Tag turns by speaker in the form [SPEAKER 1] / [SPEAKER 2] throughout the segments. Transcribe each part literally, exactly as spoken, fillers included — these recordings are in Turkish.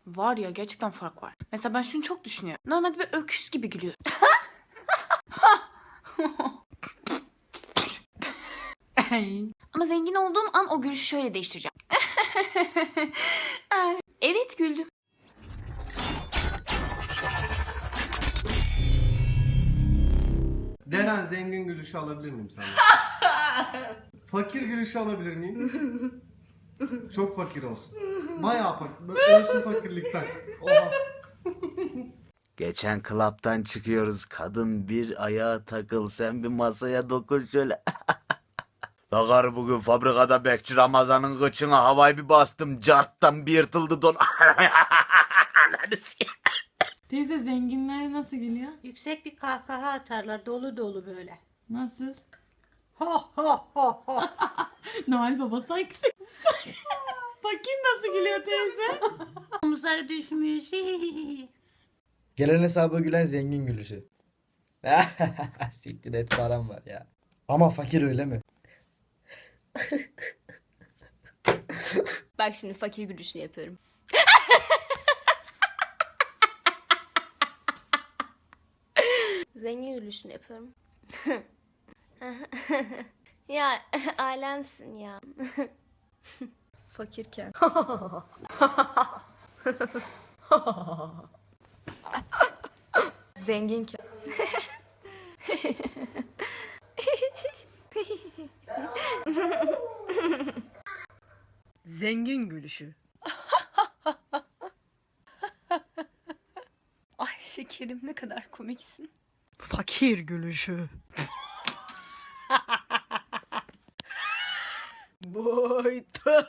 [SPEAKER 1] Var ya, gerçekten fark var. Mesela ben şunu çok düşünüyorum. Normalde bir öküz gibi gülüyor. Ama zengin olduğum an o gülüşü şöyle değiştireceğim. Evet, güldüm.
[SPEAKER 2] Deren, zengin gülüşü alabilir miyim senden? Fakir gülüşü alabilir miyim? Çok fakir olsun. Bayağı fakir. Ölsün fakirlikten. Oha.
[SPEAKER 3] Geçen klaptan çıkıyoruz. Kadın bir ayağa takıl, sen bir masaya dokun şöyle. Bakar bugün fabrikada bekçi Ramazan'ın kıçına havayı bir bastım. Carttan bir yırtıldı don.
[SPEAKER 4] Teyze, zenginler nasıl gülüyor?
[SPEAKER 5] Yüksek bir kahkaha atarlar, dolu dolu böyle.
[SPEAKER 4] Nasıl?
[SPEAKER 5] Ha ha ha ha.
[SPEAKER 4] Noel Baba sanki. Fakir nasıl gülüyor teyze?
[SPEAKER 5] Omuzları düşmüş.
[SPEAKER 6] Gelen hesaba gülen zengin gülüşü. Siktir et, param var ya. Ama fakir öyle mi?
[SPEAKER 7] Bak şimdi fakir gülüşünü yapıyorum. Zengin gülüşünü yapıyorum. Ya alemsin ya. Fakirken. Zenginken.
[SPEAKER 8] Zengin gülüşü.
[SPEAKER 7] Ay şekerim, ne kadar komiksin.
[SPEAKER 8] Fakir gülüşü. Boytu.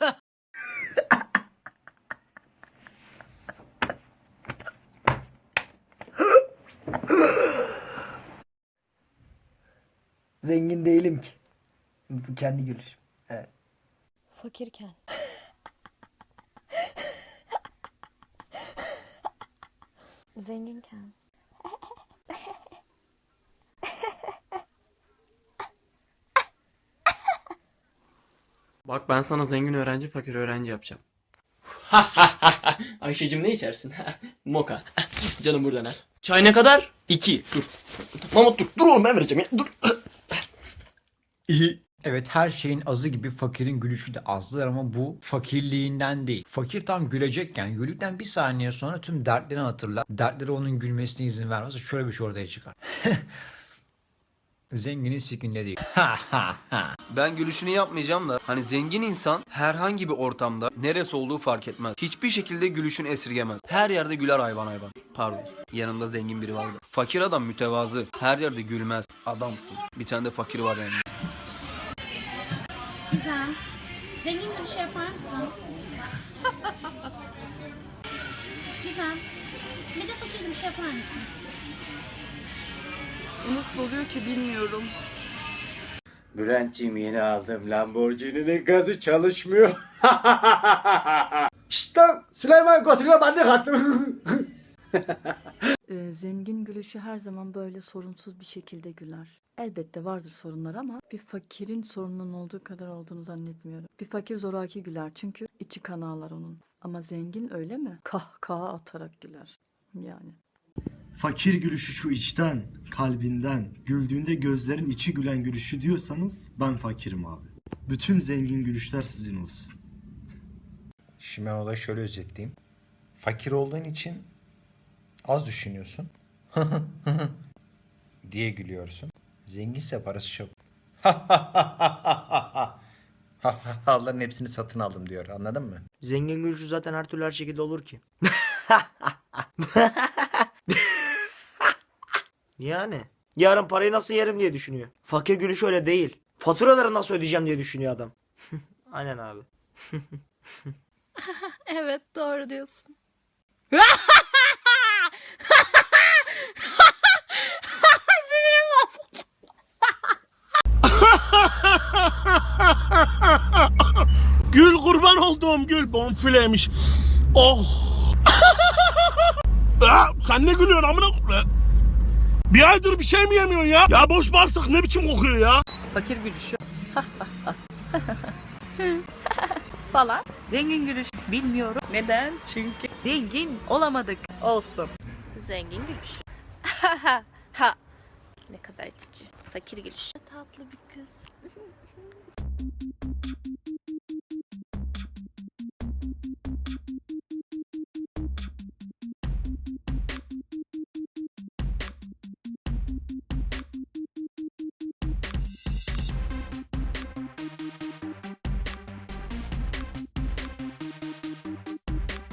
[SPEAKER 6] Zengin değilim ki. Bu kendi gülüşüm. Evet.
[SPEAKER 7] Fakirken. Zenginken.
[SPEAKER 9] Bak, ben sana zengin öğrenci, fakir öğrenci yapacağım. Ayşe'cim ne içersin? Moka. Canım buradan er. Çay ne kadar? İki. Dur. Mahmut dur. Dur oğlum, ben vereceğim ya. Dur. İyi.
[SPEAKER 10] Evet, her şeyin azı gibi fakirin gülüşü de azdır ama bu fakirliğinden değil. Fakir tam gülecekken güldükten bir saniye sonra tüm dertlerini hatırlar. Dertleri onun gülmesine izin vermez. Şöyle bir şey ortaya çıkar. Zenginin sikinde değil.
[SPEAKER 11] Ben gülüşünü yapmayacağım da hani zengin insan herhangi bir ortamda neresi olduğu fark etmez. Hiçbir şekilde gülüşünü esirgemez. Her yerde güler hayvan hayvan. Pardon. Yanımda zengin biri vardı. Fakir adam mütevazı. Her yerde gülmez. Adamsın. Bir tane de fakir var yani.
[SPEAKER 4] Güzel. Zengin gülüşü yapar mısın? Güzel. Bir de fakir gülüşü yapar mısın?
[SPEAKER 8] Bu nasıl oluyor ki bilmiyorum.
[SPEAKER 3] Bülent'ciğim, yeni aldım Lamborghini'nin gazı çalışmıyor.
[SPEAKER 6] Şşt lan! Süleyman götürüyor, ben de kaçtım.
[SPEAKER 12] Ee, zengin gülüşü her zaman böyle sorunsuz bir şekilde güler. Elbette vardır sorunlar ama bir fakirin sorununun olduğu kadar olduğunu zannetmiyorum. Bir fakir zoraki güler çünkü içi kan ağlar onun. Ama zengin öyle mi? Kahkaha atarak güler. Yani.
[SPEAKER 2] Fakir gülüşü şu içten, kalbinden, güldüğünde gözlerin içi gülen gülüşü diyorsanız ben fakirim abi. Bütün zengin gülüşler sizin olsun.
[SPEAKER 10] Şimdi ben olayı şöyle özetleyeyim. Fakir olduğun için az düşünüyorsun. diye gülüyorsun. Zenginse parası çok. Onların hepsini satın aldım diyor. Anladın mı?
[SPEAKER 8] Zengin gülüşü zaten her türlü her şekilde olur ki. Yani. Yarın parayı nasıl yerim diye düşünüyor. Fakir gülüşü öyle değil. Faturaları nasıl ödeyeceğim diye düşünüyor adam. Aynen abi.
[SPEAKER 7] Evet, doğru diyorsun.
[SPEAKER 9] Gül kurban olduğum gül, bonfileymiş. Oh. Ya, sen ne gülüyorsun amına? Bir aydır bir şey mi yemiyorsun ya? Ya boş bağırsak ne biçim kokuyor ya?
[SPEAKER 8] Fakir gülüşü. Falan. Zengin gülüş. Bilmiyorum. Neden? Çünkü
[SPEAKER 1] Zengin olamadık. Olsun.
[SPEAKER 7] Zengin gülüşü. Ha ha. Ne kadar itici. Fakir gülüşü. Tatlı bir kız.